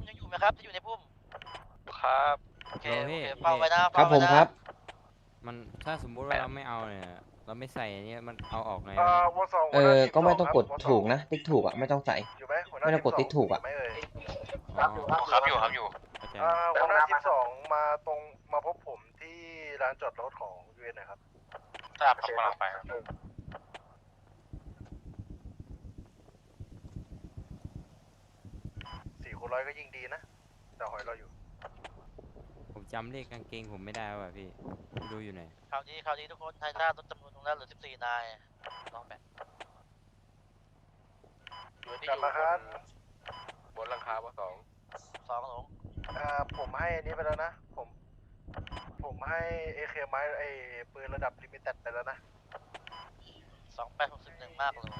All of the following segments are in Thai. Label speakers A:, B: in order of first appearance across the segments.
A: ยังอยู่ไหมครับที่อยู่ในพุ่ม
B: ครับ
A: โอเค
C: โอเค
A: เฝ้าไว้นะ
D: ครับผมครับ
C: มันถ้าสมมุติว่าเราไม่เอาเนี่ยเราไม่ใส่อันนี้มันเอาออกไง
E: ว
C: วะเนี่ย
E: อสองหัวหน้าทีม
D: ก็ไม่
E: ส
D: ต้อง
E: ครับ
D: กด
E: วส
D: ถูกนะติ๊กถูกอ่ะไม่ต้องใส่
E: อยู่ไหมหัวหน้า
D: ไม่ต้
E: ที
D: องกด
E: มสอง
D: ติ๊กถูกอะ
E: ยู่ไหมเอ่ย
C: อ๋อ
B: ครับอยู่ครับอยู่
C: เข้าใจ
E: หัวหน้าทีมสองมาพบผมที่ร้านจอดรถของยูเอ็นนะครับ
B: ทราบครับกำลังไปครับ
E: 4 คน 100ก็ยิ่งดีนะแต่หอยเราอยู่
C: ผมจำเลขกางเกงผมไม่ได้ว่ะพี่ดูอยู่ไหน
A: คราวนี้ทุกคนไทยหน้าลดจำนวนตรงนั้นเหลือ14 นายลองแบ่ง
E: กลับมาครับ
B: บนหลังคาว่า
A: 2หลง
E: ผมให้อันนี้ไปแล้วนะ ผมให้เอเคไม้ไอปืนระดับลิมิเต็ดไปแล้วนะ
A: 2861 มากเลย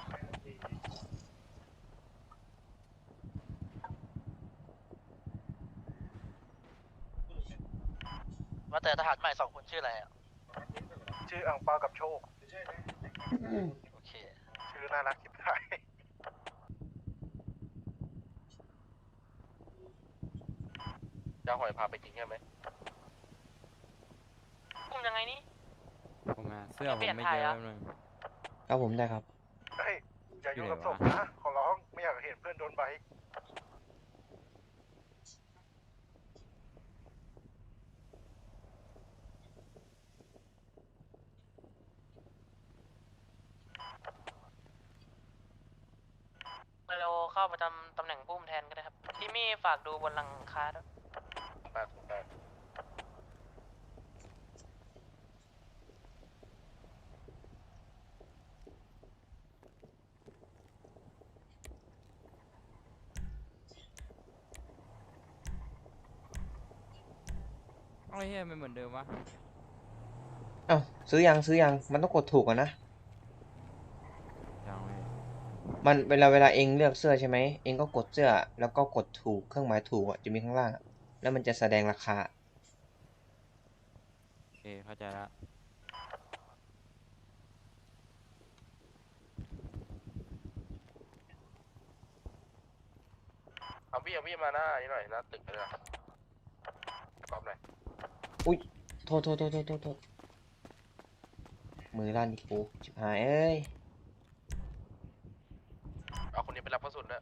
A: ว่าแต่ทหารใหม่2 คนชื่ออะไรอ่ะ
E: ชื่ออังเปากับโชค
A: โอเค
E: ชื่อน่ารักคิดไทย
B: จะหอยพาไปจริงใช่ไหม
A: พุ่มยังไงนี่
C: ผมมาเสื้อผมไม่เยอะแป๊บนึง
D: ครับผมได้ครับ
E: เฮ้ยอย่ายุ่งกับ
C: อ
E: ศ
C: ยู่ไหนวะ
E: พนะขอร้องไม่อยากเห็นเพื่อนโดนใบ
A: เราเข้าประจำตำแหน่งพุ่มแทนก็ได้ครับที่มี่ฝากดูบนหลังคาด้วย
B: 808
C: เอาไอ้เหี้ยมันเหมือนเดิมวะ
D: เอ้าซื้อยังมันต้องกดถูกอ่ะนะ
C: ยังไม่
D: มันเวลาเองเลือกเสื้อใช่ไหมเองก็กดเสื้อแล้วก็กดถูกเครื่องหมายถูกอ่ะจะมีข้างล่างอะแล้วมันจะแสดงราคา
C: โอเคเข้าใจละ
B: เอาพี่มาหน้านี่หน่อยหน้าตึกเลยนะกรอบหน่อย
D: อุ้ยโทษมือลั่นอีกกูชิบหายเอ้ย
B: เอาคนนี้ไปรับกระสุนด้วย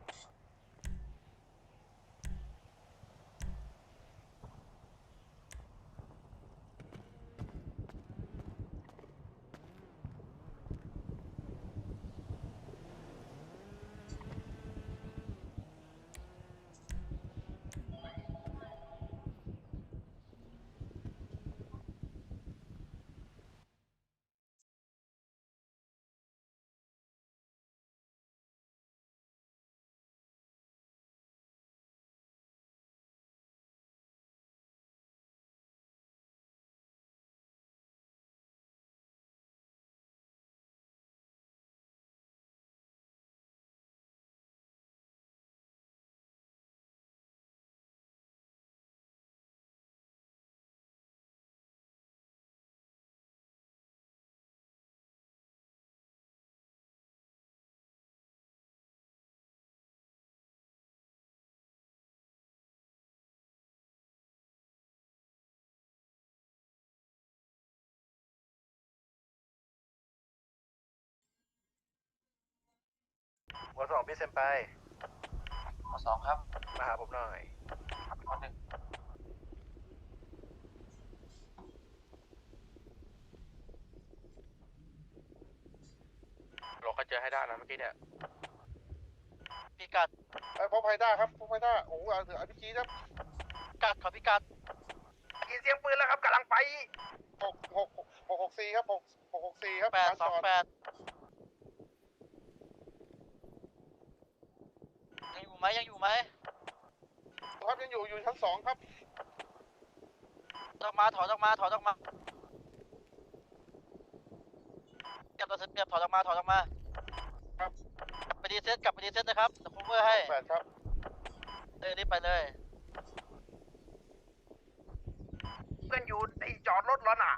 E: วสองพี่เซมไป
A: 2ครับ
E: มาหาผมหน่อย
B: เราก็เจอให้ได้นะเมื่อกี้เนี่ย
A: พิกัด
E: พบไฮด้าครับพบไฮด้าโอ้โหเอาพี่จีครับ
A: ขอพิกัด
E: ยินเสียงปืนแล้วครับกำลังไป664ครับ664ครับร้านจอด
A: 828ยังอยู่ไหม
E: ครับยังอยู่ชั้น2ครับ
A: ถอยออกมาเก็บตัวเสร็จเก็บถอยออกมา
E: ครับ
A: กลับไปดีเซ็ตนะครับเดี๋ยวผมเวอร์ให้
E: 8ครับ
A: รีบไปเลย
E: เพื่อนอยู่ในจอดรถแล้วน่ะ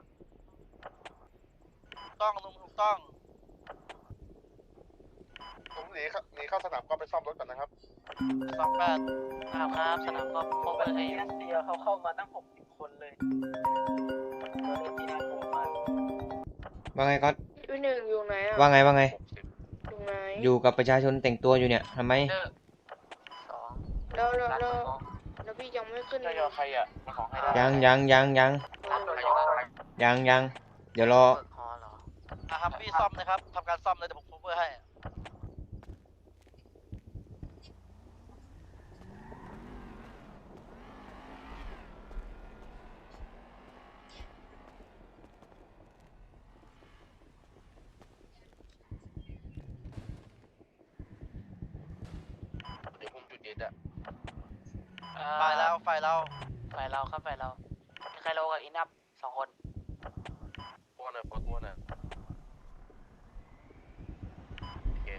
A: ต้องลุงถูกต้อง
E: ผมหนีเข้าสนามก็ไปซ่อมรถก่อนนะครับ
A: 28ครับสนามก็โคเวอร์ให้อยู่
F: รัสเซียเขาเข้ามาตั้ง60 คนเลยที่น่ากลัวมาก
D: ว่าไงก๊อต
G: พี่หนึ่งอยู่ไหนอ่ะ
D: ว่าไงว่าไง
G: อยู่ไหน
D: อยู่กับประชาชนแต่งตัวอยู่เนี่ยทำไม
G: แล้วพี่ยังไม่ขึ้น
B: จะยอใครอ่ะมาของใครได้
D: ยัง เดี๋ยวรอ
F: ครับพี่ซ่อมนะครับทำการซ่อมเลยเดี๋ยวผมเพื่อให้
B: เดี๋ยวผมจุดเด็ดอ่ะ
F: ไฟเรา
A: ฝ่ายเราครับฝ่ายเราใครโลกับอินับ2 คน
B: พวกเนี่ยพวกเนี่ยโอเค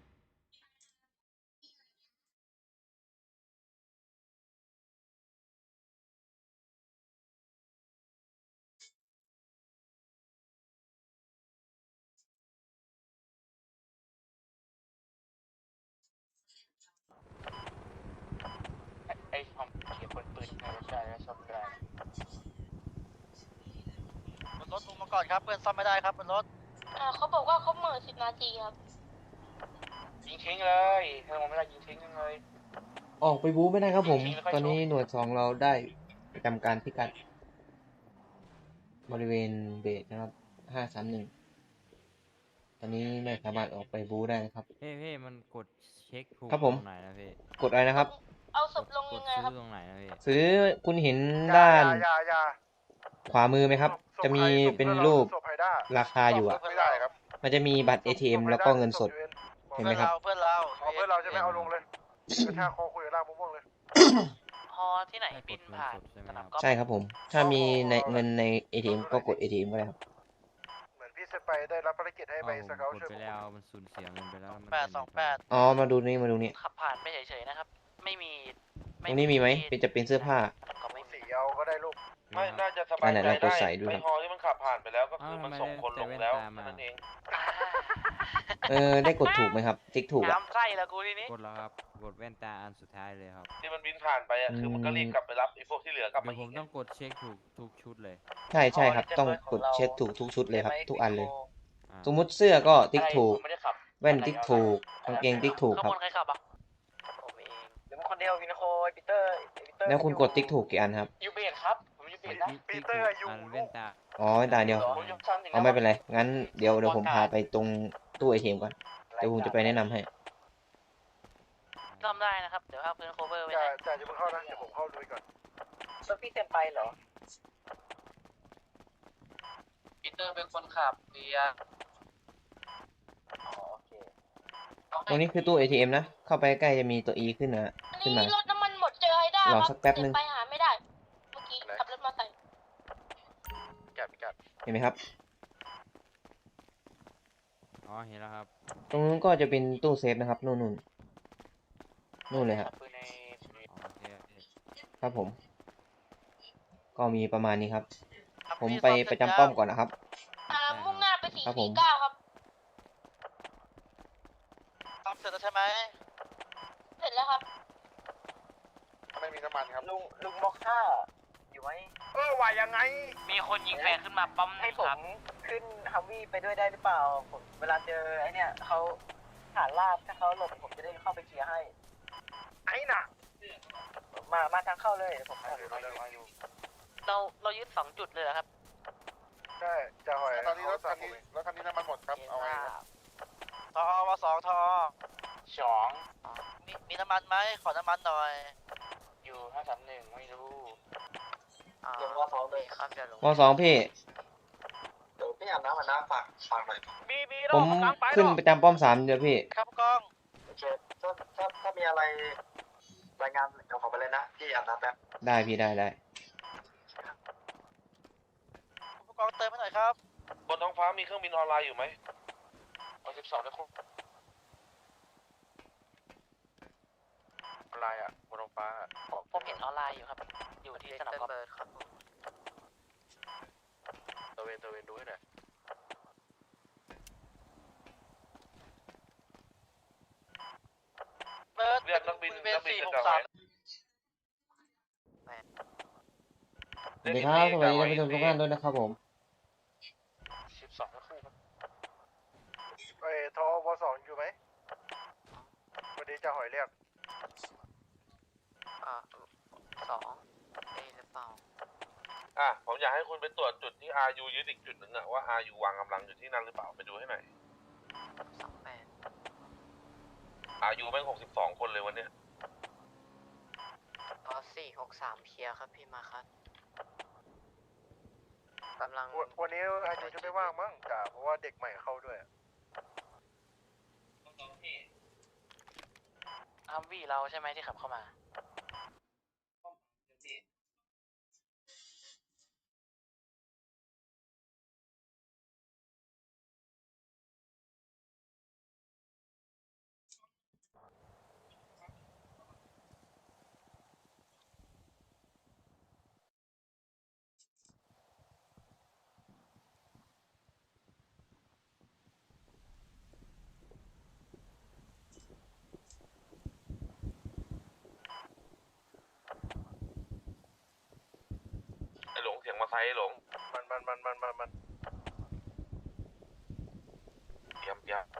B: ไอ้ความเขียนปืนในรถได้แล้วซ่อมได้
F: บนรถลงมาก่อนครับเพื่อนซ่อมไม่ได้ครับบนรถ
G: เขาบอกว่าเขาเหม่อ10 นาทีครับ
B: ยิงทิ้งเลยถ้าผมไม่ได้ยิงทิ้งเลย
D: ออกไปบู๊ไม่ได้ครับผม
B: ไม่ค่อย
D: ตอนนี้
B: ชอบ
D: หน่วย2เราได้ประจำการพิกัด บริเวณเบสนะครับ531ตอนนี้ไม่สามารถออกไปบู๊ได้นะครับ
C: พี่มันกดเช็คถูก
D: ครับผม
C: ตรงไหนนะพี่
D: กดอะไรนะครับ
G: เอาศพลง
C: ก
G: ยั
C: ด
G: งไง
C: ซื้
G: ครับ
C: อตรงไหนนะพี่
D: ซื้อคุณเห็น
E: อย่า
D: ด้าน
E: อย่า
D: ขวามือไหมครับ
E: ศพ
D: จะมี
E: ใคศพ
D: เป็น
E: พื่อ
D: รูป
E: ศพไฮด้า
D: ราคาอยู่อะ
E: ไม่ได้ครับ
D: มันจะมีบัตร ATM แล้วก็เงินสด เห็นไหมครับ
F: เพื่อนเรา
E: เอาเพื่อนเราใช่ไหมเอาลงเลยกระชากคอคุยกับล่างม่วงๆเลย
A: ฮอที่ไหนบินผ่านสนามกอล์ฟ
D: ใช่ครับผม ถ้ามีในเงินใน ATM ก็กด ATM ก็ได้ครับ
E: เหมือนพี่เซไปได้รับภารกิจให้ไปสเกล
C: กด
E: ช่วย
C: ไป
E: ผม
C: แล้วมันสูญเสียเงินไปแล้วมัน
F: 828
D: อ๋อ มาดูนี่มาดูนี่
A: ขับผ่านไปเฉยๆนะครับ ไม่มี
D: ตรงนี้มีไหมเป็นจะเป็นเสื้อผ้า
A: ก็ไม่มี
E: สีเอาก็ได้ลูก
B: ไม่น่าจะสบายใจ
D: ไหนๆเราก
B: ได้
D: ดใส่ดูครับ
B: ไอ้ฮอที่มันขับผ่านไปแล้วก็คือมันส่งคนลงแล้วนั่นเอง
D: ได้กดถูกไหมครับ ติ๊กถูกอะ
A: น้ำไส้แล้วกูทีนี้
C: กดแล้วครับ กดแว่นตาอันสุดท้ายเลยครับ
B: ที่มันบินผ่านไปอ่ะคือมันก็รีบกลับไปรับไอ้พวกที่เหลือกลับ
C: เดี๋
B: มา
C: ยวผ
B: อี
C: ม
B: ก
C: ต้องกดเช็คถูกทุกชุดเลย
D: ใช่ใช่ครับ ต้องกดเช็คถูกทุกชุดเลยครับ ทุกอันเลย
C: อ่า
D: สมมุติเสื้อก็ติ๊กถูก
B: ไม่ได้ขับ
D: แว่นติ๊กถูก กางเกงติ๊กถูก
A: ข้าง
D: ครับ
A: บนใครขับอ่ะผมเอง
F: เดี๋ยวมันคนเดียววินโคปีเตอร์
D: แล้วคุณกดติ๊กถูกกี่อันครับ
B: ยูเบดครับผมยูเบดนะ
C: ติ๊กถูกอันแว่นตา
D: อ๋อแว่นตาเดียว
B: ผมยกชั้นหนึ่ง
D: เอาไม่เป็นไร งั้นเดี๋ยวผมพาไปตรงตู้ ATM ก่อน เดี๋ยวผมจะไปแนะนำให้
A: ซ่อมได้นะครับ เดี๋ยวเอาพื้นโคเวอร์ไว้
E: จ่า
A: ให้
E: จ่าจะเพิ่งเข้านะเดี๋ยวผมเข้าดูก่อน
F: รถพี่เซนไปเหรอ
A: ปีเตอร์เป็นคนขับเบียร์
F: อ๋อโอเค
D: ตรงนี้คือตู้ ATM นะ เข้าไปใกล้จะมีตัว E ขึ้นนะ
G: อัน
D: ขึ้น
G: นี้
D: มา
G: รถน้ำมันหมดเจอไฮด้าร
D: อสักแป๊บนึง
G: ไปหาไม่ได้ เมื่อกี้ขับรถมาใส่
B: กัด
D: เห็นไหมครับ
C: อ๋อ เห็นแล้วครับ
D: ตรงนู้นก็จะเป็นตู้เซฟนะครับ นู่นเลยครับ
B: ปืนใน
C: อ๋อโอเคโอเค
D: ครับผม ก็มีประมาณนี้ครับ ผมไปประจำป้อมก่อนนะครับ
G: มุ่งหน้าไป
D: ครับผม
G: 449 ครับ
F: ซ่อมเสร็จแล้วใช่ไหม
G: เสร็จแล้วครับ
B: ไม่มีน้ำมันครับ
F: ลุงมอกค่าอยู่ไหม
E: ว่ายังไง
A: มีคนยิงแฟนขึ้นมาปั๊ม
F: ให้
A: นะ
F: ผ
A: ครั
F: ม
A: บ
F: ขึ้นฮัมวี่ไปด้วยได้หรือเปล่าผมเวลาเจอไอ้เนี่ยเขาฐานลาบถ้าเขาหลบผมจะได้เข้าไปเคลียร์ให้
E: ไอ้น่ะ
F: มาทางเข้าเลยเดี๋ยวผม
A: เรายึด2 จุดเลยเหรอครับ
E: ใช่จ่าหอย
B: ตอนนี้รถคันนี้น้ำมันหมดครับเอาไว้ครับ
F: ทอมา2ทอ
B: สอง
F: มีน้ำมันไหมขอน้ำมันหน่อย
B: อยู่531ไม่รู้
F: ลงว่า2เลย
A: ครับเดี๋ยวลง
D: วสองพี่
F: เดี๋ยวพี่อาบน้ำมาน้ำฝากหน่อย
E: มี
D: ผมขึ้นประจำป้อม3เดี๋ยวพี่
F: ครับกล้องโอเคถ้ามีอะไรรายงานเดี๋ยวขอไปเลยนะพี่อาบน้ำแป๊บ
D: ได้พี่ได้
F: ผู้กองเติมให้หน่อยครับ
B: บนท้องฟ้ามีเครื่องบินออนไลน์อยู่ไหมเอา12ได้ครบออนไลน์อ่ะบนท้องฟ้า
A: ผมเห็นออนไลน์อยู่ครับ อยู่ที่สนามกอล์ฟ
B: ตะเวนดูให้หน่อย
F: เบิร์ด
B: เรียกนักบิน
F: เว
B: กลางไว้
D: สวัสดีครับสวัสดีท่านผู้ชมทุกท่านด้วยนะครับผม
B: 12คู่ครับ
E: ไอ้ทอว2อยู่ไหมวันนี้จะหอยเรียก
B: ผมอยากให้คุณไปตรวจจุดที่ RU ยึดอีกจุดหนึ่งอะว่า RU วางกำลังอยู่ที่นั่นหรือเปล่าไปดูให้หน่อย RU แม่ง62 คนเลยวันเนี้ย
F: 463เคลียร์ครับพี่มาครับกำลัง
E: วันนี้อายุจะไม่ว่างมั้งจ่าเพราะว่าเด็กใหม่เข้าด้วย
A: ฮัมวี่เราใช่ไหมที่ขับเข้ามา
B: ไอ้หลงเสียงมาไซส์หลง
E: มัน
B: เตรียม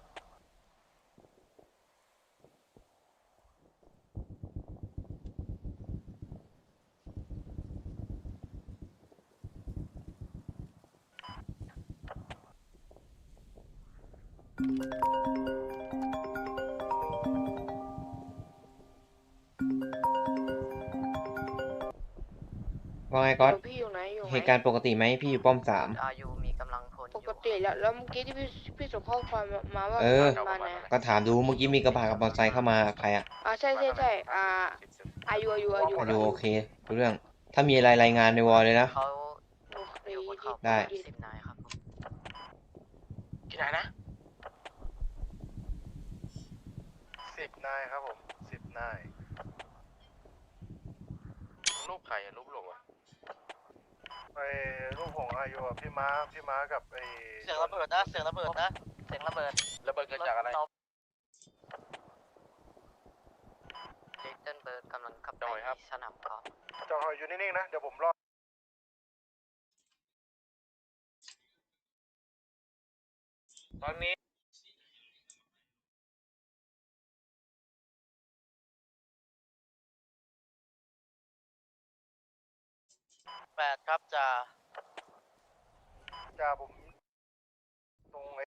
D: ว่าไงก๊อต
H: พี่อยู่ไหนอยู่ไหม
D: เหตุการณ์ปกติไหมพี่อยู่ป้อม
F: อายุมีกำลังพล
H: ปกติแล้วเมื่อกี้ที่พี่ส่งข้อความมาว่า
D: เออ
H: มาไหน
D: ก็ถามดูเมื่อกี้มีกระบะกับมอเตอร์ไซค์เข้ามาใครอะ
H: ใช่อายุ
D: ดูโอเครู้เรื่อง ถ้ามีอะไรรายงานในวอลเลยนะ
F: เขา
H: โอเค
F: อยู่บนเขา
D: ได้
F: 10 นายครับผม
A: ที่ไหนนะ
E: 10 นายครับผม10 นาย
B: รูปใครอะรูปหลงอะ
E: ไอ้ลูกของอายุอะพี่ม้ากับไอ้
A: เสียงระเบิดนะ เสียงระเบิดนะ เสียงระเบิด
B: ระเบิดเกิดจากอะไร
F: ลิตเติ้ลเบิร์ดกำลังขับไป
B: จอยครับ
F: ที่สนามกอล์ฟ
E: จอหอยอยู่นิ่งๆนะ เดี๋ยวผมรอ
B: ตอนนี้
A: 8 ครับจ่า
E: จ่าผมตรงไอ้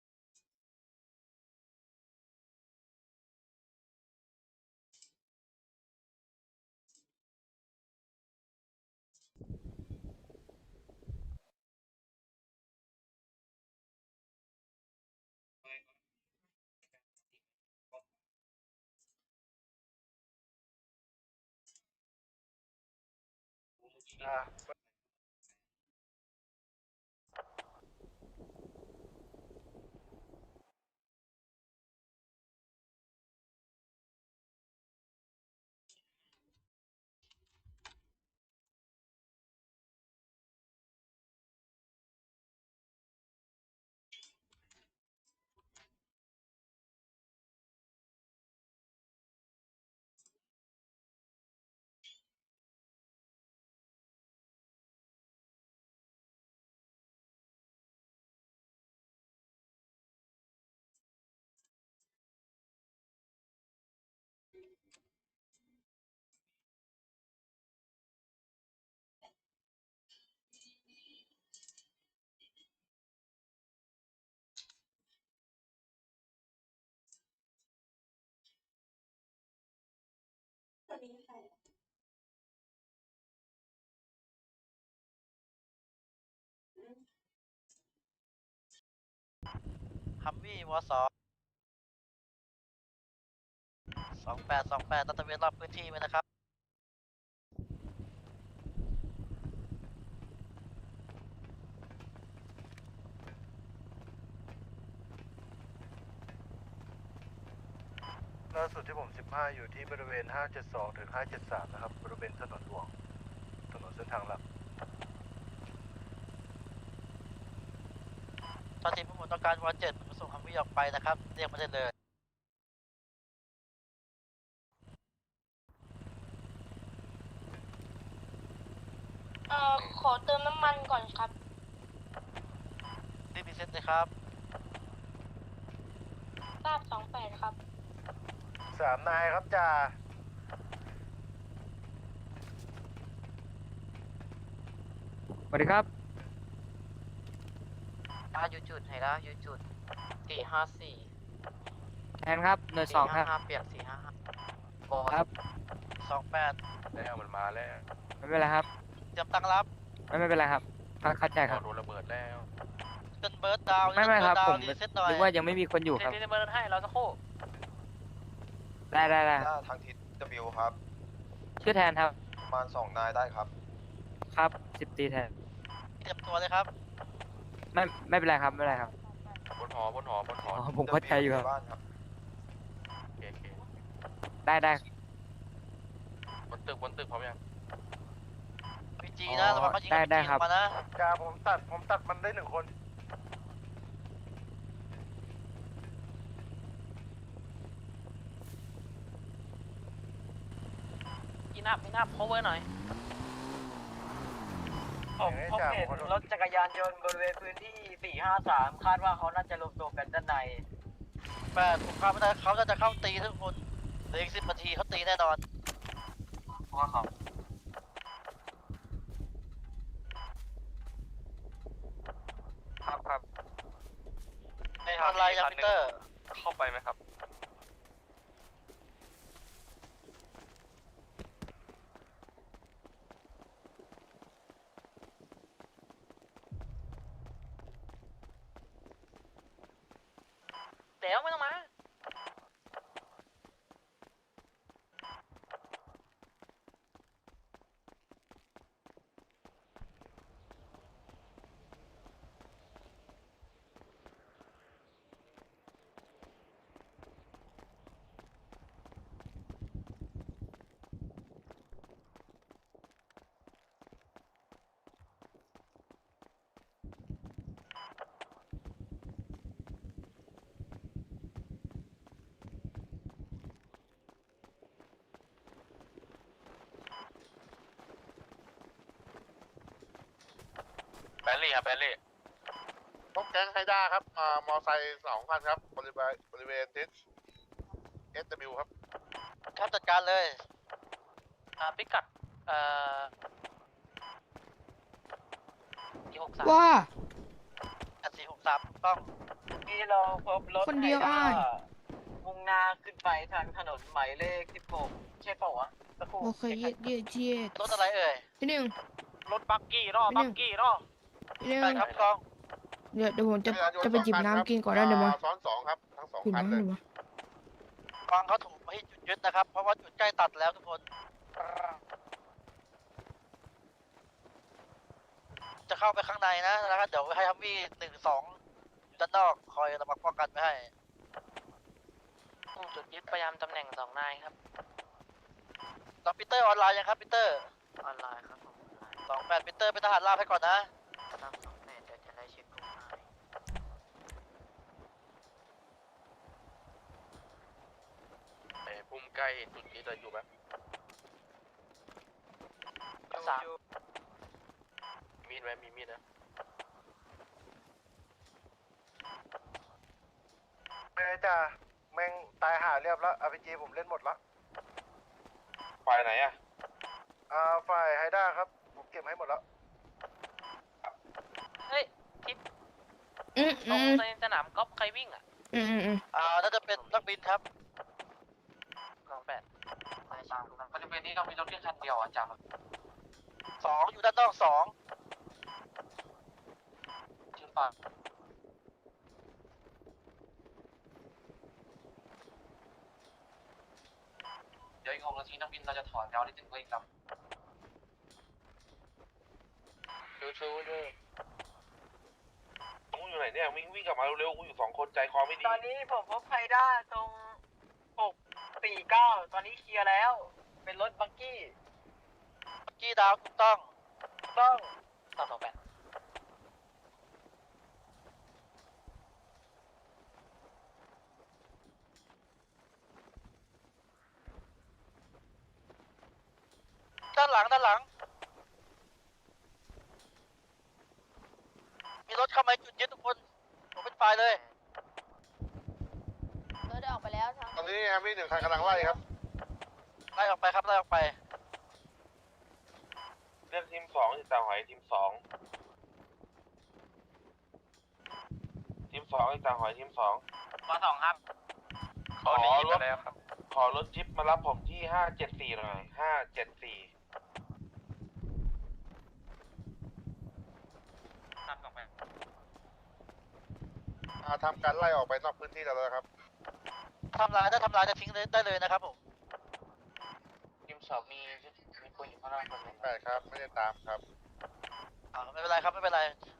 A: ฮัมวี่ว28ตัดตระเวนรอบพื้นที่ไว้นะครับ
E: ล่าสุดที่ผม15อยู่ที่บริเวณ572ถึง573นะครับบริเวณถนนหลวงถนนเส้นทางหลัก
A: ตอนนี้ผมต้องการวอล7ผมส่งฮัมวี่ออกไปนะครับ เรียกมาได้เลย
G: ขอเติมน้ำมันก่อนครับ
E: รีบพิเศษเลยครับ
G: ทราบ28ครับ
E: 3 นายครับจ่า
C: สวัสดีครับ
A: อยู่จุดไหนแล้วอยู่จุด454
C: แทนครับหน่วยสองครับ
A: 455เปียก455บอ
C: ครับ
B: แล้วมันมาแล้ว
C: ไม่เป็นไรครับ
E: เตรียมตั้งรับ
C: ไม่เป็นไรครับเข้าใจครับ
B: โดนระเบิดแล้ว
E: เกินเบิร์ดดาว
C: ไม่ครับผม
E: รีเซ็ตหน่อย
C: นึกว่ายังไม่มีคนอยู่ครับ
A: เดี๋ยวเบิร์นให้เราสักครู่
C: ได้
I: ทางทิศ W ครับ
C: ชื่อแทนครับ
I: ประมาณ2 นายได้ครับ
C: ครับ10 ตีแทน
E: เตรียมตัวเลยครับ
C: ไม่เป็นไรครับไม่เป็นไรครับ
B: บนหอบนหอบนหอ
C: อ๋อผมเข้าใจอยู่ครับ
I: บ้านครับ
B: โอเคโอเค
C: ได้
B: บนตึกพร้อมยัง
E: พีจีนะระวังเขายิง
C: ได้ครับ
E: มานะจ่าผมตัดมันได้1 คน
A: อินอัพ cover หน่อย
F: ผมเห็นรถจักรยานยนต์บริเวณพื้นที่ 453 คาดว่าเขาน่าจะรวมตัวกันด้านใน
E: ผมคาดว่าเขาจะเข้าตีทุกคนเหลืออีก10 นาทีเขาตีแน่นอน
C: ครับ
E: ทำลายยังพีเตอร์
B: เข้าไปไหมครับ
A: เดี๋ยวไม่ต้องมา
B: แบลลี่ครับแบลลี่
J: พบแก๊งไฮด้าครับ มอไซค์2 คันครับ บริเวณทิศ SW ครับ
E: ครับจัดการเลย
A: พิกัด463
H: ว่า
E: 463ต้อง
F: ที่เราพบรถ
H: คนเดียวอ้าย
F: มุ่งหน้าขึ้นไปทางถนนหมายเลข 16 ใช่เปล่าวะสักครู่
H: โอเคเย็ด
E: รถอะไรเอ่ย
H: พี่หนึ่ง
A: รถบักกี้รอบักกี้รอ
H: พี่หนึ่ง
E: ไปครับกล้อง
H: เดี๋ยวผมจะไปจิบน้ำกินก่อนได้เดี๋ยวมา
J: ซ้อน 2 ครับ ทั้ง
H: กิน
J: 2 คัน
H: น้ำ
J: เลย
H: เดี๋ยวมา
E: กล้องเขาถูกให้จุดยึดนะครับ เพราะว่าจุดใกล้ตัดแล้วทุกคน จะเข้าไปข้างในนะแล้วก็เดี๋ยวให้ฮัมวี่1-2อยู่ด้านนอกคอยระวังป้องกันไว้ให้
A: จุดยึดพยายามตำแหน่ง2 นายครับ
E: ตอนปีเตอร์ออนไลน์ยังครับปีเตอร์
A: ออนไลน์ครับผม
E: 28ปีเตอร์เป็นทหารราบให้ก่อนนะ
A: ตั้ง28เดี๋ยวจะได้เช็คกลุ่มนาย
B: พุ่มใกล้จุดนี้จะอยู่ไหม
A: 3
B: มีดไหมมีมีดนะ
E: จ้าแม่งตายหาเรียบแล้ว RPG ผมเล่นหมดแล้ว
J: ฝ่ายไหนอ่ะ
E: ฝ่ายไฮด้าครับ ผมเก็บให้หมดแล้ว
A: เฮ้ยทิป
H: อืม
A: ตรงในสนามกอล์ฟใครวิ่งอ่ะ
E: น่าจะเป็นนักบินครับ
A: 28บริเวณนี้เรามีรถเพียงคันเดียวอ่ะจัง
E: 2 อยู่ด้านนอก 2
A: ชื่อปาก เดี๋ยวอีก6 นาทีนักบินเราจะถอนยาวได้ถึงเวกลำ
B: ชูด้วย
J: กูอยู่ไหนเนี่ย วิ่งกลับมาเร็วๆ กูอยู่ 2 คนใจคอไม่ดี
F: ตอนนี้ผมพบไฮด้าตรง 649 ตอนนี้เคลียร์แล้ว เป็นรถบักกี้
E: กี้ดาวถูกต้อง
F: ต้อง
A: 328
E: ด้านหลัง
F: เข้ามาจุดยึดทุกคนผมเป็นฝ่ายเลย
G: เราได้ออกไปแล้วทั้ง
J: ตอนนี้แฮมวี่1 คันกำลังไล่ครับ
F: ไล่ออกไปครับไล่ออกไป
B: เลือกทีม2ที่จ่าหอยทีม2ทีม2ที่จ่าหอยทีม2
A: มาสองครับ
B: ขอรถขอรถจิ๊บมารับผมที่574หน่อย574
A: ครับสองแปด
J: ทำการไล่ออกไปนอกพื้นที่แล้วนะครับ
F: ทำลายถ้าทำลายจะทิ้งได้เลยนะครับผม
A: ทีมสองมีคนอยู่ข้างล่างคนหนึง
J: 8 ครับ ไม่ได้ตามครับ
F: ไม่เป็นไรครับไม่เป็นไร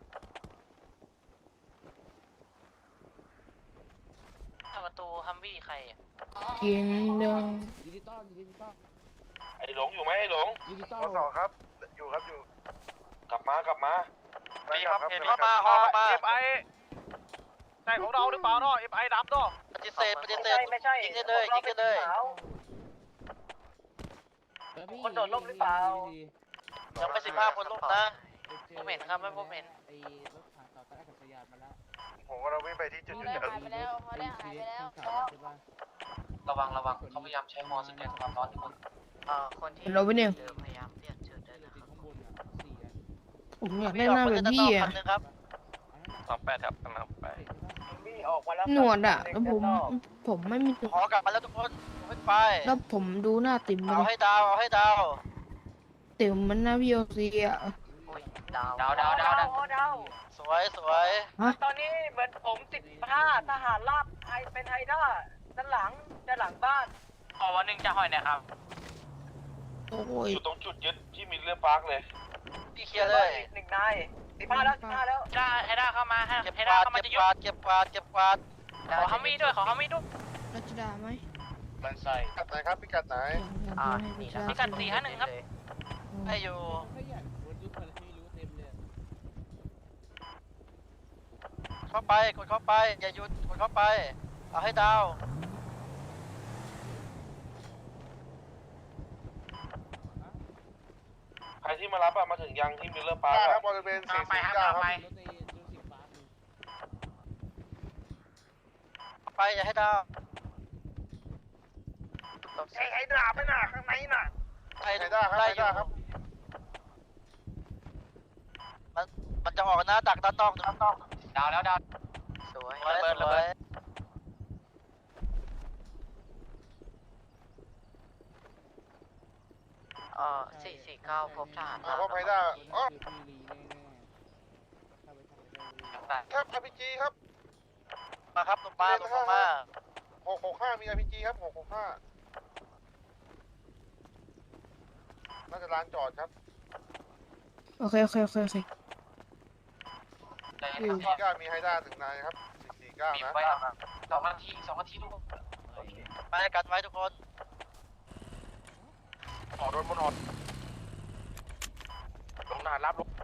A: ประตูฮัมวี่ใครอ่ะ
H: กินเดิม
B: ไอ้หลงอยู่ไหมไอ้หลง
E: มสองครับ อยู่ครับอยู่
B: กลับมากลับมา
E: ได้ครับเห็น
F: เข้ามาเข้ามา
A: FI ใช่ของเราหรือเปล่าเนาะ FI ดำเนาะ
F: ปฏิเสธปฏิเสธยิงได้เลยยิงได้เลย คนโดดร่มหรือเปล่ายังไม่15 คนร่มนะ
A: ผมเห็นครับไม่ผมเห็น
E: ผมก็เราวิ่งไปที่จุด
G: เขา
E: ยุท
G: ได้
E: ธ
G: หายไปแล้วเขาได้หายไปแล้ว
A: ระวังเขาพยายามใช้มอสแกนความร้อนทุกคน
F: คนที่
H: เราไปเนี่ย
F: พยายามเรียกเชิญได้นะครับ
H: ผมอยากได้หน้าแบบพี่อ่ะ
F: ครับ
B: 28ครับกำลังไป
H: หนวดอ่ะแล้วผมไม่มี
F: ขอกลับมาแล้วทุกคนขึ้นไป
H: แล้วผมดูหน้าติ๋มเล
F: เอา
H: ย
F: ให้ดาวเอาให้ดาว
H: ติ๋มมันหน้าพี่โอซีอ่ะ
A: ดาว
F: สวยสวยตอนนี้เหมือนผม15ทหารราบไทยเป็นไฮด้าด้านหลังบ้าน
A: ขอวันหนึ่งจะหอยเนี่ยครับ
H: โอ้ย
B: อยู่ตรงจุดยึดที่มิลเลอร์พาร์คเลย
F: พี่เคลียร์เลย1 นาย15แล้ว
A: จ้าให้ได้เข้ามาให้
F: เก็บ
A: ให้
F: ก
A: ได้
F: วาด
A: เข้ามา
F: เก็บ
A: จะ
F: ก
A: ยุบ
F: วาดเก็บกวาดเก็บกวาด
A: ขอฮัมวี่ด้วยขอฮัมวี่ด้วย
H: รัชดาไหม
B: มันใส่
J: พิกัดไหนครับ พิกัดไหน
A: พิกัด451ครับ
F: ให้อยู่เข้าไปกดเข้าไปอย่าหยุดกดเข้าไปเอาให้ดาว
B: ใครที่มารับอะมาถึงยังที่มิลเลอร์พาร์ค
J: ครั
B: อะ
J: บบริเวณ
A: กำลังไปครับ
J: 449
A: กำลัง
J: ครับ
A: ไป
F: ไปอย่าให้ดาว
E: ไอ้ดาบไม่น่ะข้างในน่ะ
F: ไอ้
J: ไฮด้าครับ
F: ไล่
J: ไฮ
F: อยู่
J: ด้าครับ
F: มันจะออกนะดักด้านนอก
A: ดาวแล้วดาว
F: สวย
A: ระเบิดระเบิด
F: 449พบทหาร
J: พบไฮด้าอ๋อครับ RPG ครับ
F: มาครับลงมาลงมา
J: 665 มี RPG ครับ 665 น่าจะลานจอดครับ
H: โอเค
J: 449 มีไฮด้า1 นายครับ 449 นะ
A: ไว้ครับ2 นาทีลูก
F: ไปกันไว้ทุกคน
B: ออกโดนบนออดลงนานรับลง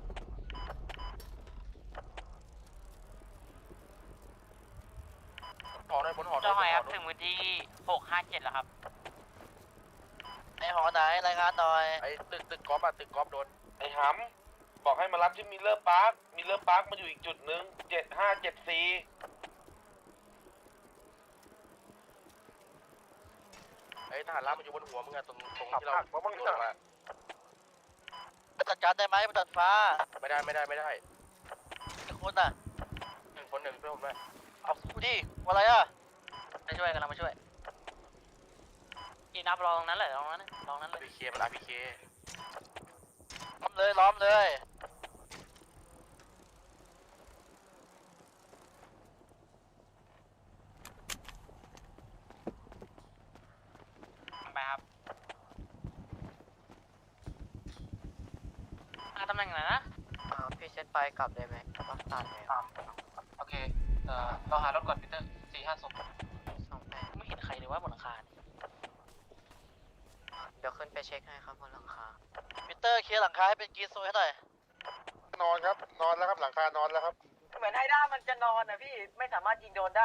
B: ออกได้บนออด
A: จะหอยครับถึงวันที่657แล้วครับ
F: ไอหอไหนรายงานหน่อย
B: ไอ้ตึกกอล์ฟอะตึกกอล์ฟโดนไอ้หำบอกให้มารับที่มิลเลอร์พาร์คมิลเลอร์พาร์คมาอยู่อีกจุดหนึ่ง7574ไอ้ทหารรับมันอยู่บนหัวมึงอะตรงที่เราโดนมา
F: จัดการได้ไหมบนดาดฟ้า
B: ไม่ได้
F: กี่คนน่ะ
B: 1 คน1เพื่อนผมด้วย
F: เอาพูดดิว่าอะไรอ่ะ
A: มาช่วยกันเรามาช่วยอีนับรอตรงนั้นเลยตรงนั้นเลย
B: พีเคมันพีเค
F: ล้อมเลย
A: ไปครับตำแหน่งไหนนะ
F: พี่เซตไปกลับได้ไหมปักตัดเลย
A: โอเคเราหารถก่อนพีเตอร์450ไม่เห็นใครเลยว่าบนหลังคา
F: เดี๋ยวขึ้นไปเช็คให้ครับบนหลังคาพีเตอร์เคลียร์หลังคาให้เป็นกรีซโซให้หน่อย
J: นอนครับ นอนแล้วครับ หลังคานอนแล้วครับ
F: เหมือนไฮด้ามันจะนอนนะพี่ไม่สามารถยิงโดนได้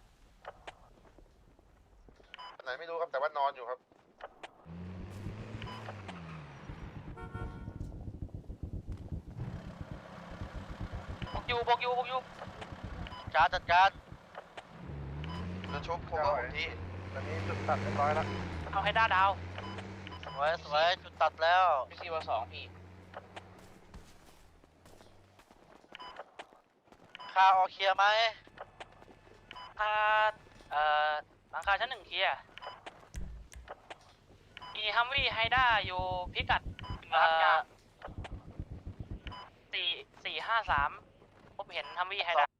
J: ไหนไม่รู้ครับ แต่ว่านอนอยู่ครับ
A: ออยู่
F: จัดการ
I: จะชุบผมว่าผมที่
E: ตอนนี้จุดตัดเรียบร้อยแล้ว
A: เอาให้ด้าดาว
F: สวยจุดตัดแล้ว
A: พี่ซีวสองพี่
F: คาออเคลียร์ไหม
A: หลังคาชั้น 1เคลียร์มีฮัมวี่ไฮด้าอยู่พิกัด453ผมเห็นฮัมวี่ไฮด้า